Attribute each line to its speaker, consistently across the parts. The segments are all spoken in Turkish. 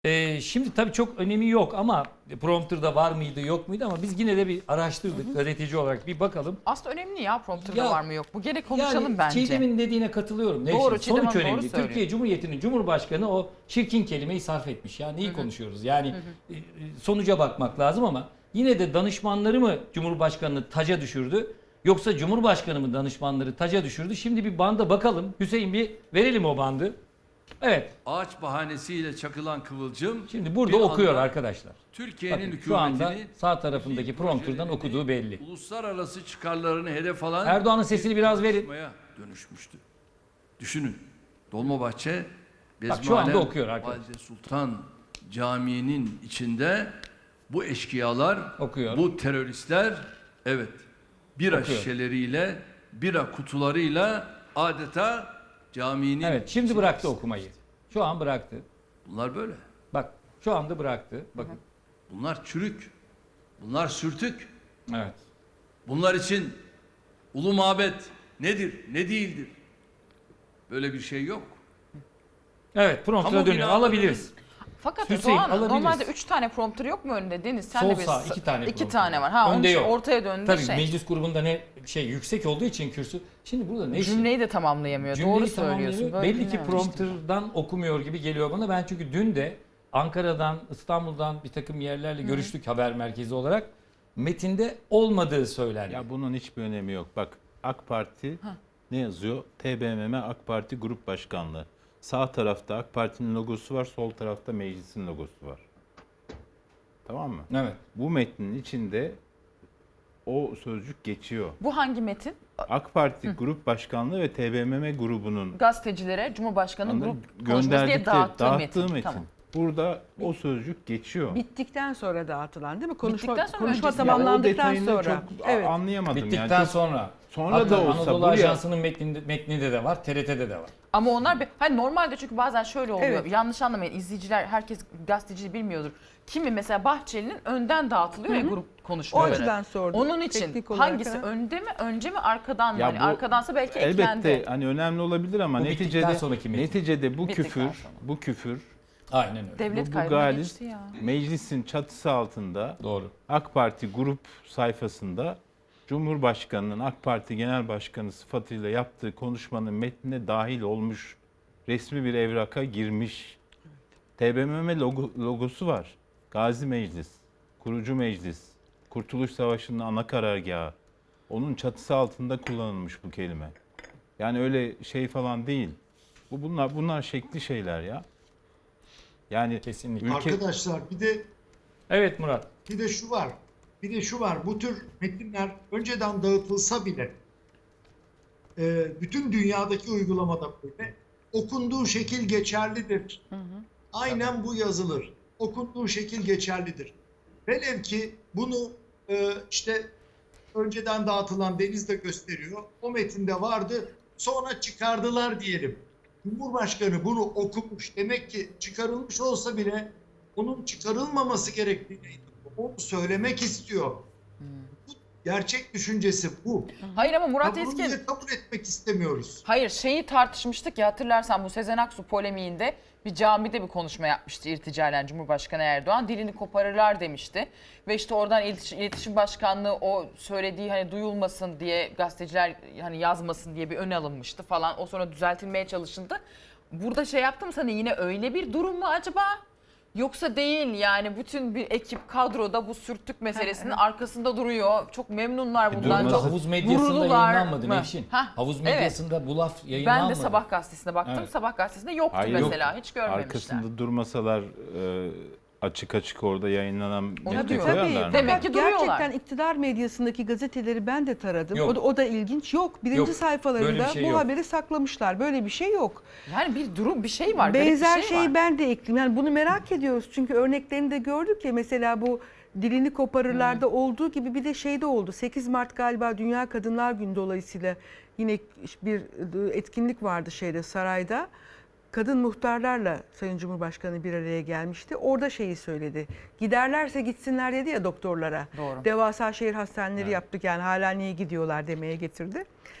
Speaker 1: Şimdi tabii çok önemi yok ama prompter'da var mıydı yok muydu ama biz yine de bir araştırdık gazeteci olarak bir bakalım.
Speaker 2: Aslında önemli ya prompter'da
Speaker 1: Ya,
Speaker 2: var mı yok mu? Gene konuşalım
Speaker 1: yani
Speaker 2: bence.
Speaker 1: Çiğdem'in dediğine katılıyorum.
Speaker 2: Doğru,
Speaker 1: Nevşin.
Speaker 2: Çiğdem
Speaker 1: Sonuç
Speaker 2: Hanım doğru
Speaker 1: önemli.
Speaker 2: söylüyor.
Speaker 1: Türkiye Cumhuriyeti'nin Cumhurbaşkanı o çirkin kelimeyi sarf etmiş. Yani iyi konuşuyoruz. Yani sonuca bakmak lazım ama yine de danışmanları mı Cumhurbaşkanı'nı taca düşürdü? Yoksa Cumhurbaşkanı mı danışmanları taca düşürdü? Şimdi bir banda bakalım. Hüseyin bir verelim o bandı. Evet.
Speaker 3: Ağaç bahanesiyle çakılan kıvılcım
Speaker 1: Şimdi burada
Speaker 3: bir
Speaker 1: okuyor
Speaker 3: anda
Speaker 1: arkadaşlar.
Speaker 3: Türkiye'nin
Speaker 1: Bakın, şu anda
Speaker 3: hükümetini,
Speaker 1: sağ tarafındaki
Speaker 3: milli
Speaker 1: prompterdan
Speaker 3: projelerini,
Speaker 1: okuduğu belli.
Speaker 3: uluslararası çıkarlarını hedef alan
Speaker 1: Erdoğan'ın sesini biraz verin.
Speaker 3: tartışmaya dönüşmüştü. Düşünün. Dolmabahçe
Speaker 1: Bak, şu anda
Speaker 3: Bezmialem
Speaker 1: okuyor arkadaşlar.
Speaker 3: Valide Sultan Camii'nin içinde bu eşkıyalar,
Speaker 1: Okuyor.
Speaker 3: bu teröristler evet bira
Speaker 1: Okuyor.
Speaker 3: şişeleriyle, bira kutularıyla adeta caminin
Speaker 1: Evet, şimdi
Speaker 3: içine
Speaker 1: bıraktı
Speaker 3: girdi.
Speaker 1: okumayı. Şu an bıraktı.
Speaker 3: Bunlar böyle.
Speaker 1: Bak, şu anda bıraktı. Bakın.
Speaker 3: Bunlar çürük. Bunlar sürtük.
Speaker 1: Evet.
Speaker 3: Bunlar için ulu mabet nedir, ne değildir? Böyle bir şey yok.
Speaker 1: Evet, prompter'a
Speaker 3: Kamu
Speaker 1: dönüyor.
Speaker 3: binalarının-
Speaker 1: Alabiliriz.
Speaker 2: Fakat
Speaker 1: Hüseyin,
Speaker 2: Doğan
Speaker 1: alabiliriz.
Speaker 2: normalde 3 tane prompter yok mu önünde Deniz? Sen
Speaker 1: Sol
Speaker 2: de bir
Speaker 1: sağ 2 tane.
Speaker 2: iki
Speaker 1: prompter.
Speaker 2: tane var. Ha, onun
Speaker 1: Önde
Speaker 2: için
Speaker 1: yok.
Speaker 2: ortaya döndü
Speaker 1: Tabii
Speaker 2: şey.
Speaker 1: meclis grubunda ne yüksek olduğu için kürsü. Şimdi burada ne işi?
Speaker 2: Cümleyi de tamamlayamıyor.
Speaker 1: Cümleyi
Speaker 2: Doğru söylüyorsun.
Speaker 1: tamamlıyor.
Speaker 2: Böyle
Speaker 1: Belli ki
Speaker 2: dinlememiştim.
Speaker 1: prompterdan okumuyor gibi geliyor bana. Ben çünkü dün de Ankara'dan, İstanbul'dan bir takım yerlerle görüştük haber merkezi olarak. Metinde olmadığı söylendi.
Speaker 4: Ya bunun hiçbir önemi yok. Bak AK Parti ne yazıyor? TBMM AK Parti Grup Başkanlığı. Sağ tarafta AK Parti'nin logosu var, sol tarafta meclisin logosu var. Tamam mı?
Speaker 1: Evet.
Speaker 4: Bu metnin içinde o sözcük geçiyor.
Speaker 2: Bu hangi metin?
Speaker 4: AK Parti Grup Başkanlığı ve TBMM grubunun
Speaker 2: Gazetecilere Cumhurbaşkanı grup konuşması diye
Speaker 4: gönderdikleri,
Speaker 2: dağıttığı metin. Tamam.
Speaker 4: Burada o sözcük geçiyor.
Speaker 5: Bittikten sonra dağıtılan değil mi?
Speaker 2: Bittikten sonra
Speaker 5: Konuşma
Speaker 2: öncesi.
Speaker 4: Ya o
Speaker 5: tamamlandıktan
Speaker 4: detayını
Speaker 5: sonra.
Speaker 4: çok
Speaker 5: Evet.
Speaker 4: anlayamadım.
Speaker 1: Bittikten
Speaker 4: yani. Çok-
Speaker 1: sonra.
Speaker 4: Sonra
Speaker 1: Hatta
Speaker 4: da olsa
Speaker 1: Anadolu
Speaker 4: buraya-
Speaker 1: Ajansı'nın metninde de var, TRT'de de var.
Speaker 2: Ama onlar hani normalde çünkü bazen şöyle oluyor.
Speaker 5: Evet.
Speaker 2: Yanlış anlamayın. İzleyiciler herkes gazeteci bilmiyordur. Kimi mesela Bahçeli'nin önden dağıtılıyor ya grup
Speaker 5: O
Speaker 2: konuşmaları.
Speaker 5: açıdan sordum.
Speaker 2: Onun için
Speaker 5: Teknik olarak,
Speaker 2: hangisi
Speaker 5: ha.
Speaker 2: önde mi, önce mi, arkadan mı?
Speaker 4: Ya
Speaker 2: Hani
Speaker 4: bu
Speaker 2: arkadansa belki
Speaker 4: Elbette
Speaker 2: eklendi.
Speaker 4: hani önemli olabilir ama
Speaker 1: Bu bittikten
Speaker 4: neticede
Speaker 1: sonraki metin.
Speaker 4: neticede bu
Speaker 2: Bittikten
Speaker 4: küfür,
Speaker 2: sonra.
Speaker 4: bu küfür
Speaker 1: Aynen öyle.
Speaker 2: Devlet
Speaker 4: bu
Speaker 2: kaybına
Speaker 4: galis
Speaker 2: geçti ya.
Speaker 4: meclisin çatısı altında
Speaker 1: Doğru.
Speaker 4: AK Parti grup sayfasında Cumhurbaşkanı'nın AK Parti Genel Başkanı sıfatıyla yaptığı konuşmanın metnine dahil olmuş, resmi bir evraka girmiş. TBMM logosu var. Gazi Meclis, Kurucu Meclis, Kurtuluş Savaşı'nın ana karargahı. Onun çatısı altında kullanılmış bu kelime. Yani öyle şey falan değil. Bunlar şekli şeyler ya. Yani
Speaker 1: Kesinlikle.
Speaker 6: Arkadaşlar
Speaker 1: Evet Murat.
Speaker 6: bir de şu var. Bir de şu var. Bu tür metinler önceden dağıtılsa bile bütün dünyadaki uygulamada böyle okunduğu şekil geçerlidir. Aynen bu yazılır. Okunduğu şekil geçerlidir. Velev ki bunu işte önceden dağıtılan Deniz de gösteriyor. O metinde vardı. Sonra çıkardılar diyelim. Cumhurbaşkanı bunu okumuş. Demek ki çıkarılmış olsa bile onun çıkarılmaması gerektiğini onu söylemek istiyor. Bu gerçek düşüncesi bu.
Speaker 2: Hayır ama Murat
Speaker 6: Ya bunu
Speaker 2: Esken...
Speaker 6: niye kabul etmek istemiyoruz?
Speaker 2: Hayır şeyi tartışmıştık ya hatırlarsan bu Sezen Aksu polemiğinde bir camide bir konuşma yapmıştı irticalen Cumhurbaşkanı Erdoğan. Dilini koparırlar demişti. Ve işte oradan İletişim Başkanlığı o söylediği hani duyulmasın diye gazeteciler hani yazmasın diye bir öne alınmıştı falan. O sonra düzeltilmeye çalışıldı. Burada şey yaptım sana yine öyle bir durum mu acaba? Yoksa değil yani bütün bir ekip kadroda bu sürtük meselesinin arkasında duruyor. Çok memnunlar bundan.
Speaker 1: Durmadı.
Speaker 2: Çok
Speaker 1: Havuz medyasında
Speaker 2: gururlular
Speaker 1: yayınlanmadı
Speaker 2: mı?
Speaker 1: Nevşin.
Speaker 2: Hah,
Speaker 1: Havuz
Speaker 2: evet.
Speaker 1: medyasında bu laf yayınlanmadı.
Speaker 2: Ben de Sabah gazetesine baktım.
Speaker 1: Evet.
Speaker 2: Sabah gazetesinde yoktu
Speaker 4: Hayır,
Speaker 2: mesela.
Speaker 4: yok.
Speaker 2: Hiç görmemişler.
Speaker 4: arkasında durmasalar açık açık orada yayınlanan metni
Speaker 2: diyorum.
Speaker 4: koyarlar mı?
Speaker 2: Demek ki duruyorlar.
Speaker 5: Gerçekten iktidar medyasındaki gazeteleri ben de taradım.
Speaker 1: Yok.
Speaker 5: O da ilginç. Yok. Birinci
Speaker 1: Yok. Böyle
Speaker 5: sayfalarında
Speaker 1: bir şey
Speaker 5: bu
Speaker 1: yok.
Speaker 5: haberi saklamışlar. Böyle bir şey yok.
Speaker 2: Yani bir durum bir şey var. garip
Speaker 5: Benzer
Speaker 2: bir şey
Speaker 5: şeyi
Speaker 2: var.
Speaker 5: ben de ekleyeyim. Yani bunu merak ediyoruz. Çünkü örneklerini de gördük ya. Mesela bu dilini koparırlarda olduğu gibi bir de şeyde oldu. 8 Mart galiba Dünya Kadınlar Günü dolayısıyla yine bir etkinlik vardı sarayda. Kadın muhtarlarla Sayın Cumhurbaşkanı bir araya gelmişti. Orada şeyi söyledi. Giderlerse gitsinler dedi ya doktorlara.
Speaker 2: Doğru.
Speaker 5: Devasa şehir hastaneleri yaptık yani hala niye gidiyorlar demeye getirdi.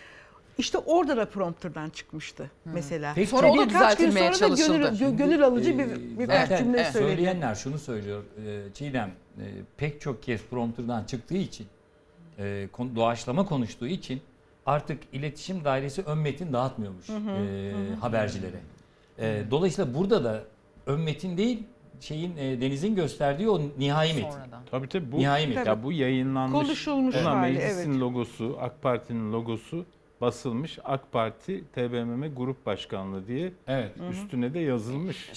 Speaker 5: İşte orada da prompterdan çıkmıştı mesela.
Speaker 1: Peki,
Speaker 2: Sonra o da
Speaker 5: Birkaç gün
Speaker 2: düzeltilmeye
Speaker 5: sonra da
Speaker 2: çalışıldı.
Speaker 5: gönül alıcı birkaç
Speaker 1: zaten
Speaker 5: cümle söyledi.
Speaker 1: söyleyenler şunu söylüyor. Çiğdem pek çok kez prompterdan çıktığı için, doğaçlama konuştuğu için artık iletişim dairesi ön metin dağıtmıyormuş habercilere. Dolayısıyla burada da ön metin değil, Deniz'in gösterdiği o nihai metin.
Speaker 2: Sonradan.
Speaker 4: Tabii bu
Speaker 1: Nihai metin.
Speaker 4: ya bu yayınlanmış.
Speaker 5: Konuşulmuş
Speaker 4: Buna
Speaker 5: hali,
Speaker 4: meclisin
Speaker 5: evet.
Speaker 4: logosu, AK Parti'nin logosu basılmış. AK Parti TBMM Grup Başkanlığı diye
Speaker 1: Evet.
Speaker 4: üstüne de yazılmış.